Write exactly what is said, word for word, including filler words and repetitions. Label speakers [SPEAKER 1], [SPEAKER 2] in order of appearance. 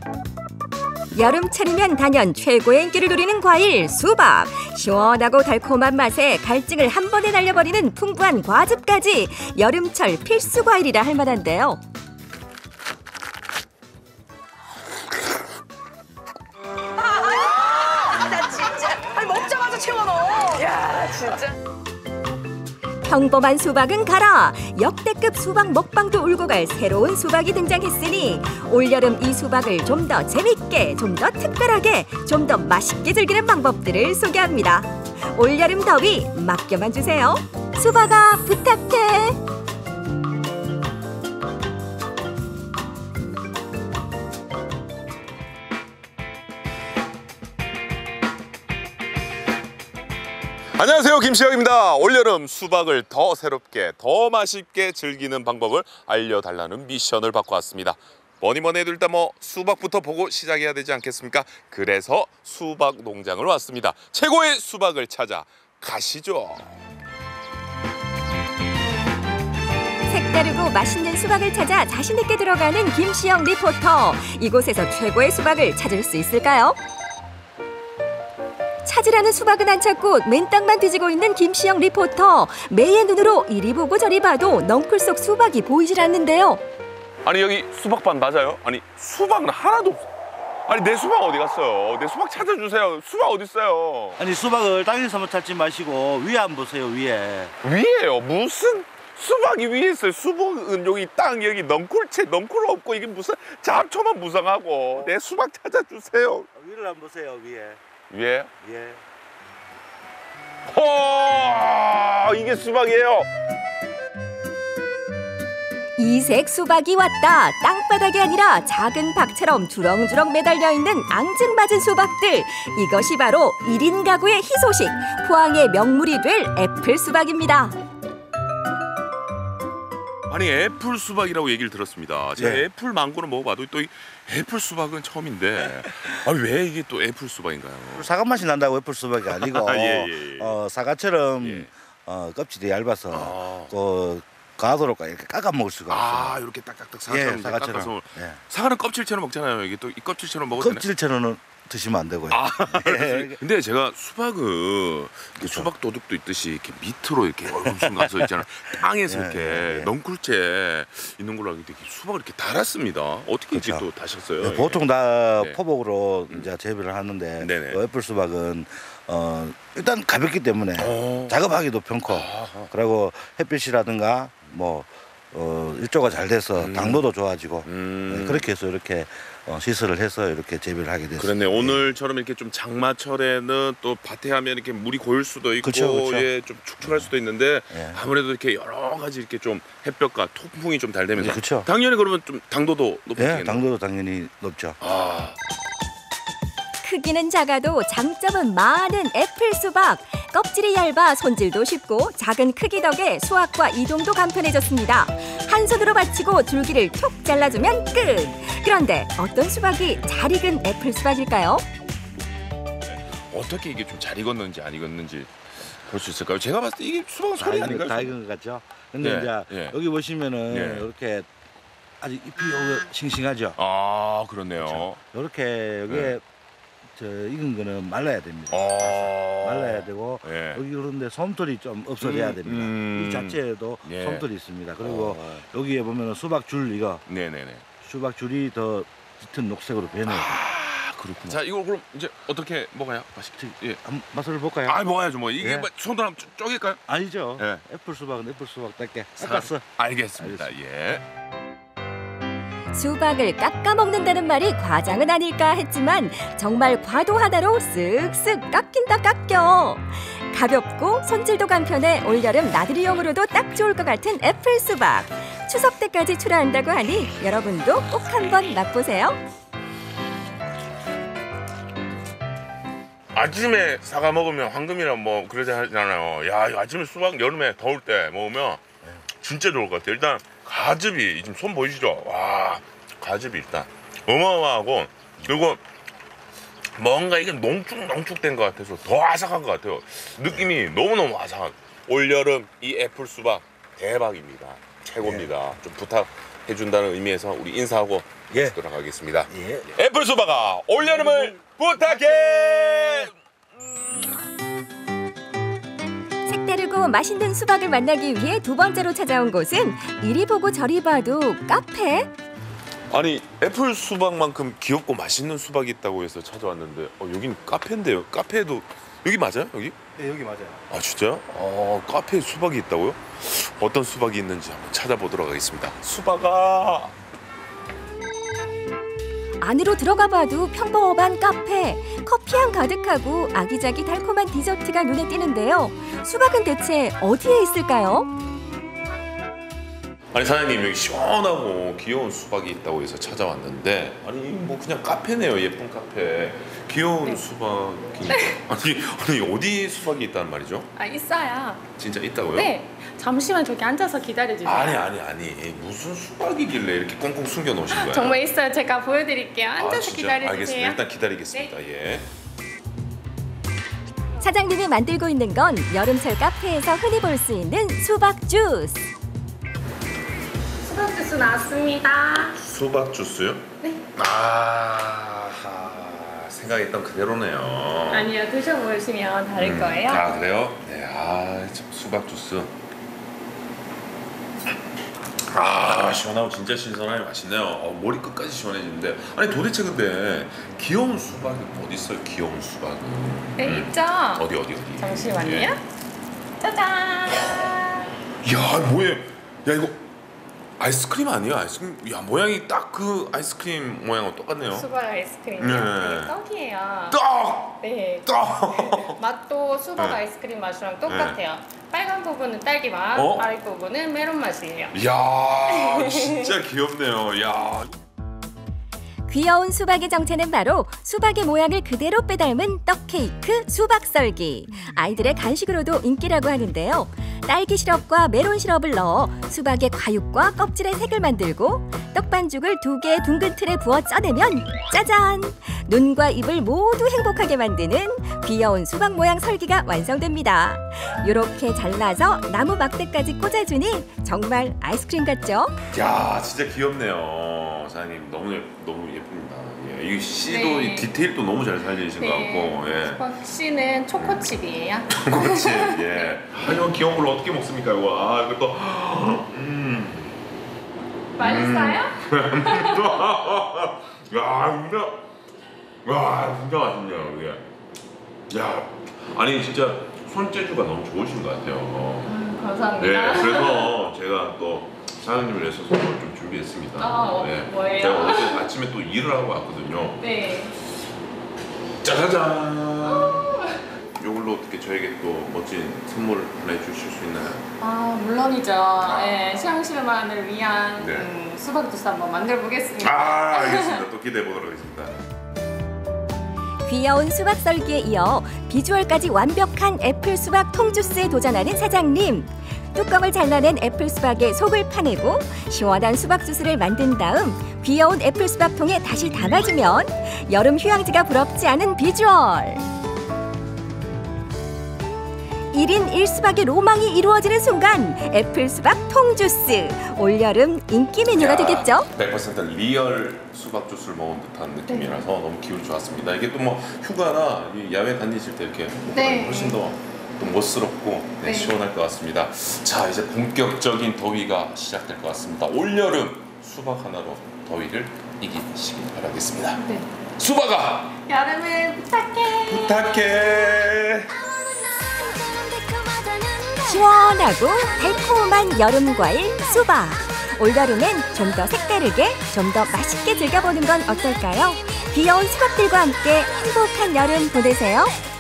[SPEAKER 1] 여름철이면 단연 최고의 인기를 누리는 과일 수박. 시원하고 달콤한 맛에 갈증을 한 번에 날려버리는 풍부한 과즙까지 여름철 필수 과일이라 할 만한데요.
[SPEAKER 2] 나 진짜 아니 먹자마자 채워 넣어. 야 진짜.
[SPEAKER 1] 평범한 수박은 가라. 역대급 수박 먹방도 울고 갈 새로운 수박이 등장했으니 올여름 이 수박을 좀 더 재밌게, 좀 더 특별하게, 좀 더 맛있게 즐기는 방법들을 소개합니다. 올여름 더위 맡겨만 주세요. 수박아 부탁해.
[SPEAKER 3] 안녕하세요, 김시영입니다. 올여름 수박을 더 새롭게, 더 맛있게 즐기는 방법을 알려달라는 미션을 받고 왔습니다. 뭐니 뭐니 해도 일단 뭐 수박부터 보고 시작해야 되지 않겠습니까? 그래서 수박 농장을 왔습니다. 최고의 수박을 찾아 가시죠.
[SPEAKER 1] 색다르고 맛있는 수박을 찾아 자신 있게 들어가는 김시영 리포터. 이곳에서 최고의 수박을 찾을 수 있을까요? 찾으라는 수박은 안 찾고 맨땅만 뒤지고 있는 김시영 리포터. 매의 눈으로 이리 보고 저리 봐도 넝쿨 속 수박이 보이질 않는데요.
[SPEAKER 3] 아니 여기 수박밭 맞아요? 아니 수박은 하나도 없어. 아니 내 수박 어디 갔어요? 내 수박 찾아주세요. 수박 어디 있어요?
[SPEAKER 4] 아니 수박을 땅에서만 찾지 마시고 위에 한번 보세요. 위에.
[SPEAKER 3] 위에요? 무슨 수박이 위에 있어요? 수박은 여기 땅 여기 넝쿨채 넝쿨 없고 이게 무슨 잡초만 무성하고 내 수박 찾아주세요.
[SPEAKER 4] 위를 한번 보세요. 위에.
[SPEAKER 3] 위에?
[SPEAKER 4] 예.
[SPEAKER 3] 호! 이게 수박이에요.
[SPEAKER 1] 이색 수박이 왔다. 땅바닥이 아니라 작은 박처럼 주렁주렁 매달려 있는 앙증맞은 수박들. 이것이 바로 일 인 가구의 희소식. 포항의 명물이 될 애플 수박입니다.
[SPEAKER 3] 아니 애플 수박이라고 얘기를 들었습니다. 제가
[SPEAKER 4] 네.
[SPEAKER 3] 애플 망고는 먹어봐도 또 이 애플 수박은 처음인데 아니 왜 이게 또 애플 수박인가요?
[SPEAKER 4] 사과 맛이 난다고 애플 수박이 아니고
[SPEAKER 3] 예, 예, 예.
[SPEAKER 4] 어, 사과처럼
[SPEAKER 3] 예.
[SPEAKER 4] 어, 껍질이 얇아서
[SPEAKER 3] 아.
[SPEAKER 4] 그 가도록 이렇게 깎아 먹을 수가
[SPEAKER 3] 아
[SPEAKER 4] 없어요.
[SPEAKER 3] 이렇게 딱딱딱 사과처럼
[SPEAKER 4] 예, 사과처럼.
[SPEAKER 3] 깎아서
[SPEAKER 4] 예.
[SPEAKER 3] 사과는 껍질처럼 먹잖아요. 이게 또 이 껍질처럼 먹어도 되나?
[SPEAKER 4] 껍질처럼은 드시면 안 되고요.
[SPEAKER 3] 아,
[SPEAKER 4] 예.
[SPEAKER 3] 근데 제가 수박은 이렇게
[SPEAKER 4] 그렇죠.
[SPEAKER 3] 수박 도둑도 있듯이 이렇게 밑으로 이렇게 얼굴순 가서 있잖아. 땅에서
[SPEAKER 4] 예,
[SPEAKER 3] 이렇게
[SPEAKER 4] 예, 예.
[SPEAKER 3] 넝쿨채 있는 걸로 알고 있는데 수박을 이렇게 달았습니다. 어떻게 이렇게
[SPEAKER 4] 그렇죠.
[SPEAKER 3] 또 다셨어요?
[SPEAKER 4] 네, 보통 다
[SPEAKER 3] 네.
[SPEAKER 4] 포복으로
[SPEAKER 3] 음.
[SPEAKER 4] 이제 재배를 하는데
[SPEAKER 3] 네네.
[SPEAKER 4] 그 애플 수박은 어, 일단 가볍기 때문에
[SPEAKER 3] 어.
[SPEAKER 4] 작업하기도 편코
[SPEAKER 3] 아하.
[SPEAKER 4] 그리고 햇빛이라든가 뭐 어, 일조가 잘 돼서
[SPEAKER 3] 음.
[SPEAKER 4] 당도도 좋아지고
[SPEAKER 3] 음.
[SPEAKER 4] 네, 그렇게 해서 이렇게 어, 시설을 해서 이렇게 재배를 하게 됐습니다.
[SPEAKER 3] 그렇네. 오늘처럼 이렇게 좀 장마철에는 또 밭에 하면 이렇게 물이 고일 수도 있고
[SPEAKER 4] 그쵸, 그쵸.
[SPEAKER 3] 예, 좀 축축할 수도 있는데
[SPEAKER 4] 예.
[SPEAKER 3] 아무래도 이렇게 여러 가지 이렇게 좀 햇볕과 통풍이 좀 잘 되면서
[SPEAKER 4] 네, 그쵸.
[SPEAKER 3] 당연히 그러면 좀 당도도
[SPEAKER 4] 예,
[SPEAKER 3] 높아지겠네요.
[SPEAKER 4] 당도도 당연히 높죠.
[SPEAKER 3] 아.
[SPEAKER 1] 크기는 작아도 장점은 많은 애플 수박. 껍질이 얇아 손질도 쉽고 작은 크기 덕에 수확과 이동도 간편해졌습니다. 한 손으로 받치고 줄기를 톡 잘라주면 끝. 그런데 어떤 수박이 잘 익은 애플 수박일까요?
[SPEAKER 3] 어떻게 이게 좀 잘 익었는지 안 익었는지 볼 수 있을까요? 제가 봤을 때 이게 수박 소리
[SPEAKER 4] 다
[SPEAKER 3] 아닌가요?
[SPEAKER 4] 익은, 다 익은 것 같죠. 근데
[SPEAKER 3] 예,
[SPEAKER 4] 이제
[SPEAKER 3] 예.
[SPEAKER 4] 여기 보시면은
[SPEAKER 3] 예.
[SPEAKER 4] 이렇게 아직 잎이 요거 싱싱하죠.
[SPEAKER 3] 아 그렇네요.
[SPEAKER 4] 이렇게 여기에
[SPEAKER 3] 네.
[SPEAKER 4] 저 익은 거는 말라야 됩니다.
[SPEAKER 3] 어...
[SPEAKER 4] 말라야 되고
[SPEAKER 3] 예.
[SPEAKER 4] 여기 그런데 솜털이 좀 없어져야
[SPEAKER 3] 음,
[SPEAKER 4] 됩니다.
[SPEAKER 3] 음.
[SPEAKER 4] 이 자체에도
[SPEAKER 3] 예.
[SPEAKER 4] 솜털이 있습니다. 그리고
[SPEAKER 3] 어.
[SPEAKER 4] 여기에 보면은 수박 줄 이거
[SPEAKER 3] 네네네.
[SPEAKER 4] 수박 줄이 더 짙은 녹색으로 변해요.
[SPEAKER 3] 아 그렇구나. 자 이걸 그럼 이제 어떻게 먹어야 맛있지? 예.
[SPEAKER 4] 한 맛을 볼까요?
[SPEAKER 3] 아 먹어야죠 뭐 이게
[SPEAKER 4] 예.
[SPEAKER 3] 뭐 손으로 한번 쪼- 쪼갤까요?
[SPEAKER 4] 아니죠.
[SPEAKER 3] 예.
[SPEAKER 4] 애플 수박은 애플 수박답게
[SPEAKER 3] 사-
[SPEAKER 4] 깎았어.
[SPEAKER 3] 알겠습니다. 예.
[SPEAKER 1] 수박을 깎아 먹는다는 말이 과장은 아닐까 했지만 정말 과도 하나로 쓱쓱 깎인다 깎여. 가볍고 손질도 간편해 올여름 나들이용으로도 딱 좋을 것 같은 애플 수박. 추석 때까지 출하한다고 하니 여러분도 꼭 한번 맛보세요.
[SPEAKER 3] 아침에 사과 먹으면 황금이랑 뭐 그러지 하잖아요. 야 이거 아침에 수박 여름에 더울 때 먹으면 진짜 좋을 것 같아요. 일단 가즙이 지금 손 보이시죠? 와 가즙이 일단 어마어마하고 그리고 뭔가 이게 농축농축된 것 같아서 더 아삭한 것 같아요. 느낌이 너무너무 아삭한. 올여름 이 애플 수박 대박입니다. 최고입니다. 좀 부탁 해준다는 의미에서 우리 인사하고
[SPEAKER 4] 예.
[SPEAKER 3] 돌아가겠습니다.
[SPEAKER 4] 예.
[SPEAKER 3] 애플 수박아 올여름을 부탁해.
[SPEAKER 1] 색다르고 맛있는 수박을 만나기 위해 두 번째로 찾아온 곳은 이리 보고 저리 봐도 카페.
[SPEAKER 3] 아니 애플 수박만큼 귀엽고 맛있는 수박이 있다고 해서 찾아왔는데 어, 여긴 카페인데요. 카페에도 여기 맞아요? 여기?
[SPEAKER 4] 네, 여기 맞아요.
[SPEAKER 3] 아 진짜요? 어, 카페에 수박이 있다고요? 어떤 수박이 있는지 한번 찾아보도록 하겠습니다. 수박아.
[SPEAKER 1] 안으로 들어가 봐도 평범한 카페. 커피향 가득하고 아기자기 달콤한 디저트가 눈에 띄는데요. 수박은 대체 어디에 있을까요?
[SPEAKER 3] 아니 사장님 여기 시원하고 귀여운 수박이 있다고 해서 찾아왔는데 아니 뭐 그냥 카페네요. 예쁜 카페. 귀여운
[SPEAKER 2] 네.
[SPEAKER 3] 수박이 아니 아니 어디 수박이 있다는 말이죠?
[SPEAKER 2] 아, 있어요.
[SPEAKER 3] 진짜 있다고요?
[SPEAKER 2] 네. 잠시만 저기 앉아서 기다려주세요.
[SPEAKER 3] 아니 아니 아니 무슨 수박이길래 이렇게 꽁꽁 숨겨 놓으신 거예요?
[SPEAKER 2] 정말 있어요. 제가 보여드릴게요. 앉아서
[SPEAKER 3] 아, 진짜?
[SPEAKER 2] 기다려주세요.
[SPEAKER 3] 알겠습니다. 일단 기다리겠습니다. 예.
[SPEAKER 1] 사장님이 만들고 있는 건 여름철 카페에서 흔히 볼 수 있는 수박 주스.
[SPEAKER 2] 수박 주스 나왔습니다.
[SPEAKER 3] 수박 주스요?
[SPEAKER 2] 네.
[SPEAKER 3] 아 생각했던 그대로네요.
[SPEAKER 2] 아니요, 드셔보시면 다를
[SPEAKER 3] 음,
[SPEAKER 2] 거예요.
[SPEAKER 3] 아 그래요? 네, 아 참, 수박 주스. 아 시원하고 진짜 신선하게 맛있네요. 어, 머리 끝까지 시원해지는데 아니 도대체 근데 귀여운 수박이 어디 있어요? 귀여운 수박은?
[SPEAKER 2] 네,
[SPEAKER 3] 음.
[SPEAKER 2] 있죠?
[SPEAKER 3] 어디 어디 어디?
[SPEAKER 2] 잠시만요.
[SPEAKER 3] 예.
[SPEAKER 2] 짜잔!
[SPEAKER 3] 야 뭐야? 야 이거 아이스크림 아니에요? 아이스크림? 야 모양이 딱 그 아이스크림 모양하고 똑같네요.
[SPEAKER 2] 수박 아이스크림이요?
[SPEAKER 3] 네.
[SPEAKER 2] 네, 떡이에요.
[SPEAKER 3] 떡!
[SPEAKER 2] 네.
[SPEAKER 3] 떡!
[SPEAKER 2] 맛도 수박
[SPEAKER 3] 네.
[SPEAKER 2] 아이스크림 맛이랑 똑같아요. 빨간 부분은 딸기 맛,
[SPEAKER 3] 어?
[SPEAKER 2] 파란 부분은 메론 맛이에요.
[SPEAKER 3] 야 진짜 귀엽네요. 야.
[SPEAKER 1] 귀여운 수박의 정체는 바로 수박의 모양을 그대로 빼닮은 떡 케이크 수박 썰기. 아이들의 간식으로도 인기라고 하는데요. 딸기 시럽과 메론 시럽을 넣어 수박의 과육과 껍질의 색을 만들고 떡반죽을 두 개의 둥근 틀에 부어 짜내면 짜잔! 눈과 입을 모두 행복하게 만드는 귀여운 수박 모양 설기가 완성됩니다. 이렇게 잘라서 나무 막대까지 꽂아주니 정말 아이스크림 같죠?
[SPEAKER 3] 야 진짜 귀엽네요. 사장님 너무 예, 너무 예쁩니다. 예, 이 씨도
[SPEAKER 2] 네.
[SPEAKER 3] 이 디테일도 너무 잘 살리신 것 같고. 예.
[SPEAKER 2] 수박 씨는 초코칩이에요.
[SPEAKER 3] 그렇지. 예. 아니 이거 귀여운 걸 어떻게 먹습니까 이거? 아 이거 또. 음.
[SPEAKER 2] 맛있어요?
[SPEAKER 3] 야 진짜. 와 진짜 맛있네요 이게. 야 아니 진짜 손재주가 너무 좋으신 것 같아요.
[SPEAKER 2] 음, 감사합니다.
[SPEAKER 3] 네, 그래서 제가 또 사장님을 위해서 선물 좀 준비했습니다.
[SPEAKER 2] 아,
[SPEAKER 3] 네.
[SPEAKER 2] 뭐예요?
[SPEAKER 3] 제가 어제 아침에 또 일을 하고 왔거든요.
[SPEAKER 2] 네.
[SPEAKER 3] 짜자잔. 이걸로 어떻게 저에게 또 멋진 선물을 보내주실 수 있나요?
[SPEAKER 2] 아 물론이죠. 네, 시향실만을 위한
[SPEAKER 3] 네.
[SPEAKER 2] 음, 수박 주스 한번 만들어 보겠습니다.
[SPEAKER 3] 아 알겠습니다. 또 기대해 보도록 하겠습니다.
[SPEAKER 1] 귀여운 수박 썰기에 이어 비주얼까지 완벽한 애플 수박 통주스에 도전하는 사장님. 뚜껑을 잘라낸 애플 수박에 속을 파내고 시원한 수박 주스를 만든 다음 귀여운 애플 수박 통에 다시 담아주면 여름 휴양지가 부럽지 않은 비주얼. 일 인 일 수박의 로망이 이루어지는 순간 애플 수박 통주스. 올여름 인기 메뉴가 되겠죠?
[SPEAKER 3] 백 퍼센트 리얼 수박 주스를 먹은 듯한 느낌이라서 너무 기분이 좋았습니다. 이게 또 뭐 휴가나 이 야외 다니실 때 이렇게
[SPEAKER 2] 네.
[SPEAKER 3] 훨씬 더 또 멋스럽고 네,
[SPEAKER 2] 네.
[SPEAKER 3] 시원할 것 같습니다. 자 이제 본격적인 더위가 시작될 것 같습니다. 올여름 수박 하나로 더위를 이기시길 바라겠습니다.
[SPEAKER 2] 네.
[SPEAKER 3] 수박아
[SPEAKER 2] 여름을 부탁해.
[SPEAKER 3] 부탁해.
[SPEAKER 1] 시원하고 달콤한 여름 과일 수박. 올여름엔 좀 더 색다르게, 좀 더 맛있게 즐겨보는 건 어떨까요? 귀여운 수박들과 함께 행복한 여름 보내세요.